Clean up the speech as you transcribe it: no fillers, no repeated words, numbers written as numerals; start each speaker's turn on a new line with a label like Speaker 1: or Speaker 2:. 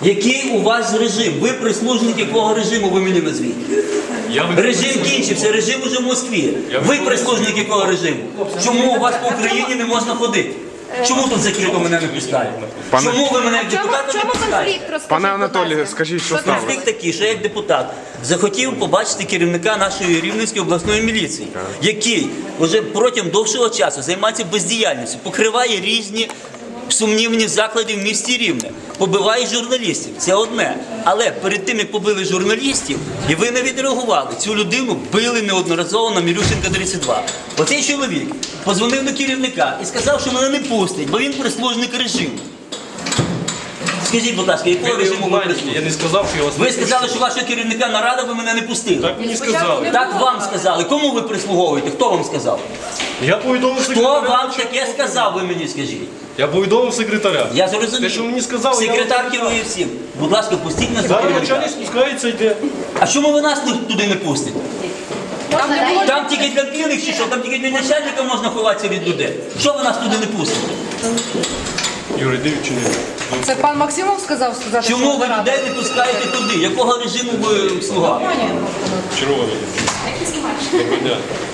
Speaker 1: Який у вас режим? Ви прислужник якого режиму, ви мені назвіть? Режим кінчився, режим уже в Москві. Ви прислужник якого режиму? Чому у вас по Україні не можна ходити? Чому тут закрито мене не пускають? Чому ви мене як депутата не пускаєте?
Speaker 2: Пане Анатолію, скажіть, що сталося?
Speaker 1: Конфлікт такий, що я як депутат захотів побачити керівника нашої Рівненської обласної міліції, який вже протягом довшого часу займається бездіяльністю, покриває різні сумнівні заклади в місті Рівне, побиває журналістів. Це одне. Але перед тим, як побили журналістів, і ви не відреагували, цю людину били неодноразово на Мілющенка 32. Оцей чоловік подзвонив до керівника і сказав, що мене не пустять, бо він прислужник режиму. Скажіть, будь ласка, якого режиму ви прислужник?
Speaker 3: Я не сказав, що я вас не
Speaker 1: Ви сказали, що вашого керівника нарада, ви мене не пустили.
Speaker 3: Так мені сказали.
Speaker 1: Так вам сказали. Кому ви прислуговуєте? Хто вам сказав?
Speaker 3: Я повідомив
Speaker 1: Хто
Speaker 3: секретаря.
Speaker 1: вам таке сказав, ви мені скажіть?
Speaker 3: Я повідомив секретаря.
Speaker 1: Я зрозумів.
Speaker 3: Те, що мені сказали, я
Speaker 1: Секретар
Speaker 3: вам
Speaker 1: керує всім. Будь ласка, пустіть нас до
Speaker 3: Зараз
Speaker 1: керівника.
Speaker 3: начальник спускається, йде.
Speaker 1: А чому ви нас туди не пустите? Там тільки для білих чи що? Там тільки для начальника можна ховатися від людей. Що ви нас туди не пустите?
Speaker 3: Юрій, дивіться, ні.
Speaker 4: Це пан Максимов сказати,
Speaker 1: Чому ви людей не пускаєте туди? Якого режиму ви слуга?
Speaker 3: Червоний. Доброго дня.